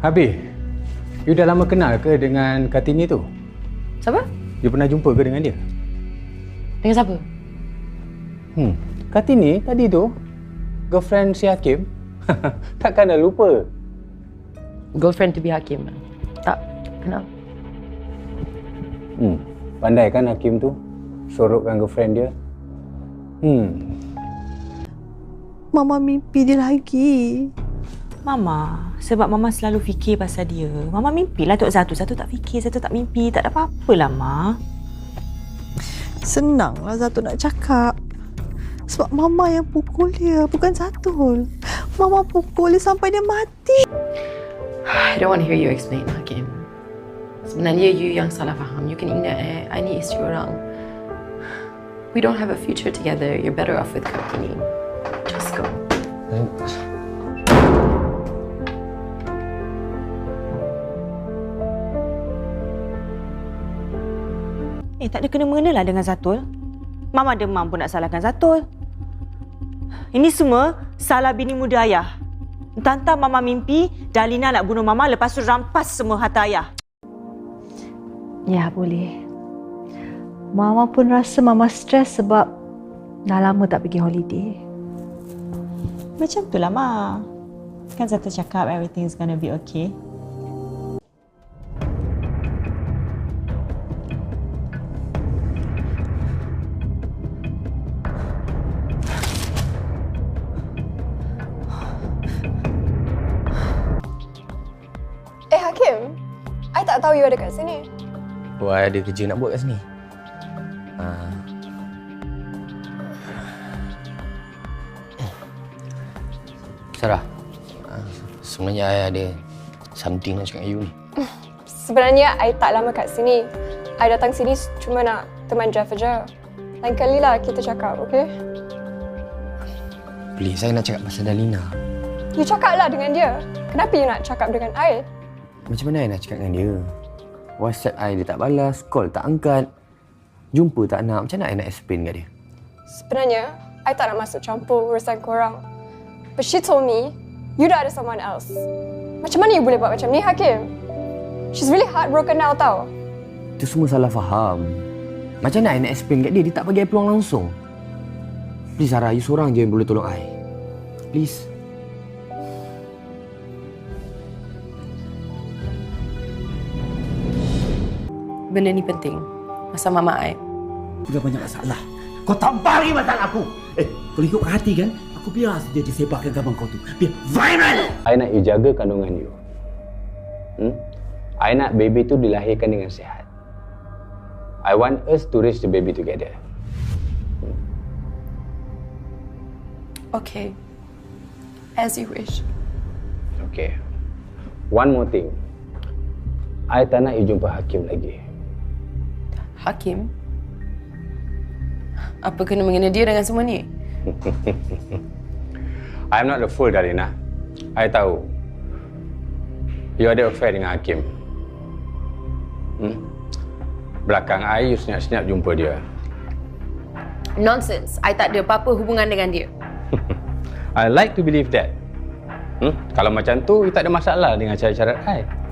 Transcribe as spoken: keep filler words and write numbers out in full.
Habis, you dah lama kenal ke dengan Kartini tu? Siapa? You pernah jumpa ke dengan dia? Dengan siapa? Hmm, Kartini tadi tu, girlfriend si Hakim. Takkan dah lupa? Girlfriend to be Hakim. Tak kenal. Hmm, pandai kan Hakim tu sorokkan girlfriend dia. Hmm. Mama mimpi dia lagi. Mama, sebab Mama selalu fikir pasal dia. Mama mimpilah Tok Zatu. Zatu tak fikir, Zatu tak mimpi. Tak ada apa-apa lah, Ma. Senanglah Zatul nak cakap. Sebab Mama yang pukul dia, bukan Zatul. Mama pukul dia sampai dia mati. I don't want to hear you explain, Hakim. Sebenarnya you yang salah faham. You can ingat eh, I ni isteri orang. We don't have a future together. You're better off with Kartini. Just go. Eh, tak ada kena-mengena lah dengan Zatul. Mama demam pun nak salahkan Zatul. Ini semua salah bini muda ayah. Entah-entah Mama mimpi Dalina nak bunuh Mama lepas tu rampas semua harta ayah. Ya, boleh. Mama pun rasa Mama stres sebab dah lama tak pergi holiday. Macam tu lah, Ma. Kan Zatul cakap everything is gonna be okay. Eh Hakim, I tak tahu you ada kat sini. Oh, I ada kerja nak buat kat sini. Uh. Sarah, uh, sebenarnya I ada something nak cakap dengan you ni. Sebenarnya I tak lama kat sini. I datang sini cuma nak teman Jeff aja. Lain kali lah kita cakap, okay? Please, saya nak cakap pasal Dalina. You cakap lah dengan dia. Kenapa you nak cakap dengan I? Macam mana I nak cakap dengan dia? WhatsApp I dia tak balas, call tak angkat, jumpa tak nak. Macam mana I nak explain kat dia? Sebenarnya, I tak nak masuk campur urusan korang. But she told me, you dah ada someone else. Macam mana you boleh buat macam ni, Hakim? She's really heartbroken now, tau. Itu semua salah faham. Macam mana I nak explain kat dia? Dia tak bagi I peluang langsung. Please Sarah, you seorang je yang boleh tolong I. Please. Benda ni penting. Pasal Mama I. Sudah banyak masalah. Kau tampar lagi masalah aku. Eh, kalau ikut hati kan, aku biar saja disebarkan gambar kau tu. Biar viral. I nak you jaga kandungan you. Hmm? I nak baby tu dilahirkan dengan sihat. I want us to raise the baby together. Hmm. Okay. As you wish. Okay. One more thing. I tak nak you jumpa Hakim lagi. Hakim? Apa kena mengena dia dengan semua ni? I'm not the fool, Dalina. I tahu. You ada affair dengan Hakim. Hmm? Belakang I, you senyap-senyap jumpa dia. Nonsense. I tak ada apa-apa hubungan dengan dia. I like to believe that. Hmm? Kalau macam tu, you tak ada masalah dengan cara-cara I.